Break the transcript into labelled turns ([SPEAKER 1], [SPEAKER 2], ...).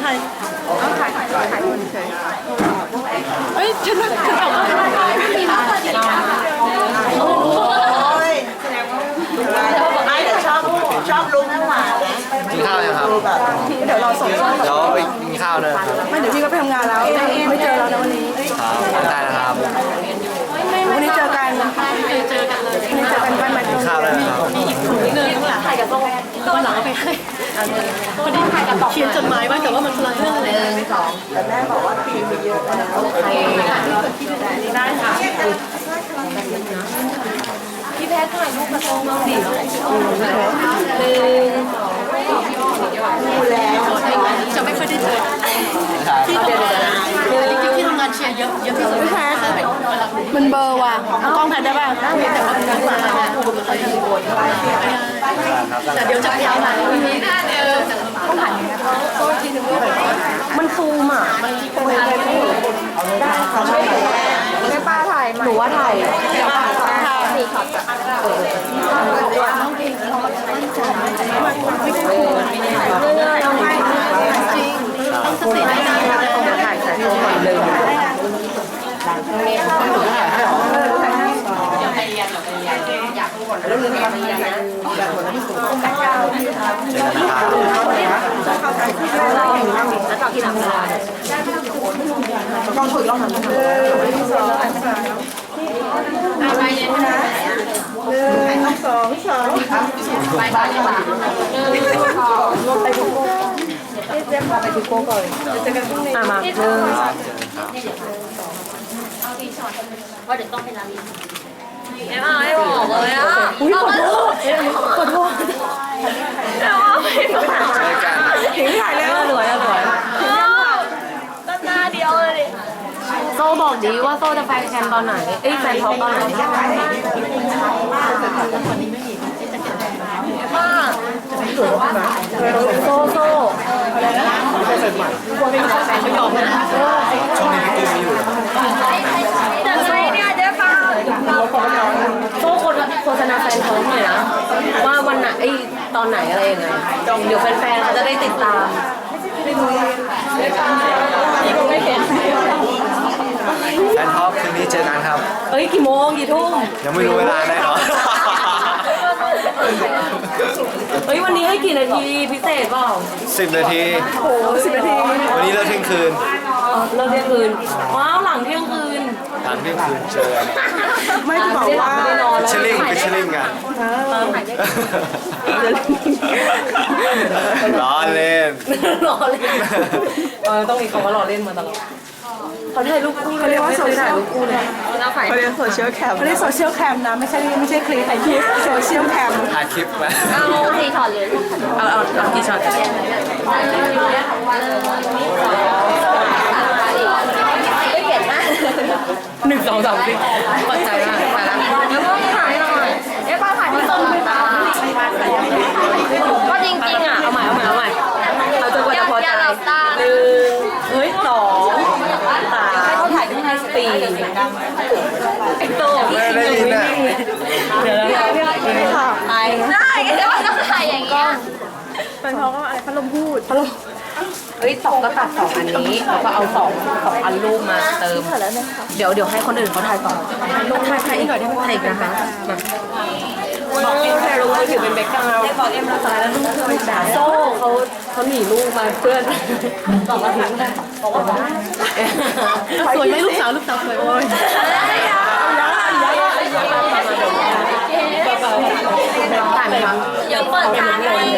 [SPEAKER 1] ถ่ายคนเฉยเอ้ยฉันออกมาโอ้ยไอ้แต่ชอบลุงหวานนะ
[SPEAKER 2] กินข้าวยังครับ
[SPEAKER 1] เดี๋ยวเราส่ง
[SPEAKER 2] เดี๋ยวไปกินข้าวนะครับ
[SPEAKER 1] ไม่เดี๋ยวพี่ก็ไปทำงานแล้วไม่เจอเราในวันนี้
[SPEAKER 2] ครับได้นะครับ
[SPEAKER 1] วันนี้เจอกันวันนี้เจอกันบ้านใหม่
[SPEAKER 2] กินข้าวได้นะครับ
[SPEAKER 1] เดินถ่ายกับโซ่วันหลังไปให้วันนี้ถ่ายกับเขียนจดหมายไว้แต่ว่ามันคนละเรื่องเลยแต่แม่บอกว่าปีมีเยอะแล้วโอเคได้ค่ะพี่แพทย์ถ่ายรูปกระทงเราดิดูแล้วจะไม่ค่อยได้เจอที่ทำงานจริงๆที่ทำงานเชียร์เยอะที่สุดพี่แพทย์มันเบอร์ว่ะกล้องแพทย์ได้ป่ะได้แต่ว่ามันมาแต่เดี๋ยวจะพยายามถ่ายต้องถ่ายมันฟูมอ่ะมันฟูมได้ค่ะไม่ป้าถ่ายหนูว่าถ่ายเดี๋ยวถ่ายสี่ขอบไม่ใช่ฟูไม่ได้เราไม่จริงต้องสติได้นะถ่ายรูปก่อนเลยแล้วลืมไปนะแบบหมดแล้วแล้วต่อที่หลังเวลาต้องฝึกลองทำไปเย็นนะสองไปบ้านดีกว่าลงไปทุกโก้เจ๊พาไปทุกโก้ก่อนจะกันพรุ่งนี้มาหนึ่งว่าเดี๋ยวต้องเป็นร้านไม่บอกเลยอ่ะอุ้ยขอโทษแล้วว่าไม่ถึงถ่ายแล้วรวยก็หน้าเดียวเลยโซ่บอกดีว่าโซ่จะแฟนแคมตอนไหนแฟนท็อปตอนไหนมาโซ่อะไรนะไม่ยอมนะ
[SPEAKER 2] ช่วงนี้พี่ตุ้มอยู่
[SPEAKER 1] แต่โซ่เนี่ยเจ๊ฟ้าโซ่โฆษณาแฟนท้องหน่อยนะว่าวันไหนตอนไหนอะไรยังไงเดี๋ยวแฟนๆเขาจะได้ติดตามไม่เห็น
[SPEAKER 2] แฟนท็อปคืนนี้เจอกันครับ
[SPEAKER 1] กี่โมงกี่ทุ่ม
[SPEAKER 2] ยังไม่รู้เวลาแน่นอน
[SPEAKER 1] วันนี้ให้กี่นาทีพิเศษเปล่า
[SPEAKER 2] 10 นาที
[SPEAKER 1] โอ้10 นาที
[SPEAKER 2] วันนี้เลิกเที่ยงคืน
[SPEAKER 1] เลิกเที่ยงคืนว้าวหลังเที่ยงคืน
[SPEAKER 2] หลังเที่ยงคืนเจอกัน
[SPEAKER 1] ไม่จะบอกว่าไม่นอนแล้ว
[SPEAKER 2] ฟิชเชอร์ลิงกันล้อเล่น
[SPEAKER 1] รอเล่นต้องมีคำว่ารอเล่นมาตลอดเขาถ่ายรูปคู่เขาเรียกว่าโซเชียลคู่เลยเขาเรียกโซเชียลแคมเขาเรียกโซเชียลแคมนะไม่ใช่คลิปถ่ายคลิปโซเชียลแคม
[SPEAKER 2] ถ่ายคลิปไหม
[SPEAKER 1] เอากี่ช็อตเลยเอากี่ช็อตไม่เก็บนะ1 2 3สิเปิดใจมากไปแล้วแล้วก็ถ่ายหน่อยป้าถ่ายที่ต้นตาก็จริงๆอ่ะเอาใหม่เราจะกว่าจะพอใจ1 2 3เขาถ่ายที่4ไอ้โต้พี่คิงเลยเดี๋ยวถ่ายได้แต่ว่าต้องถ่ายอย่างนี้เป็นเพราะว่าอะไรพัดลมพูด2ก็ตัด2อันนี้แล้วก็เอา2อันรูปมาเติมเดี๋ยวให้คนอื่นเขาถ่ายต่อถ่ายอีกหน่อยได้ไหมถ่ายอีกนะคะมาบอกเอ็มถ่ายรูปถือเป็นแบ็คกราวด์บอกเอ็มเราตายแล้วลูกเธอไม่ด่าโซ่เขาหนีลูกมาเพื่อนบอกว่าถ่ายบอกว่าสวยไหมลูกสาวสวยโอ้ยถ่ายไหมคะยังเปิดงานเลย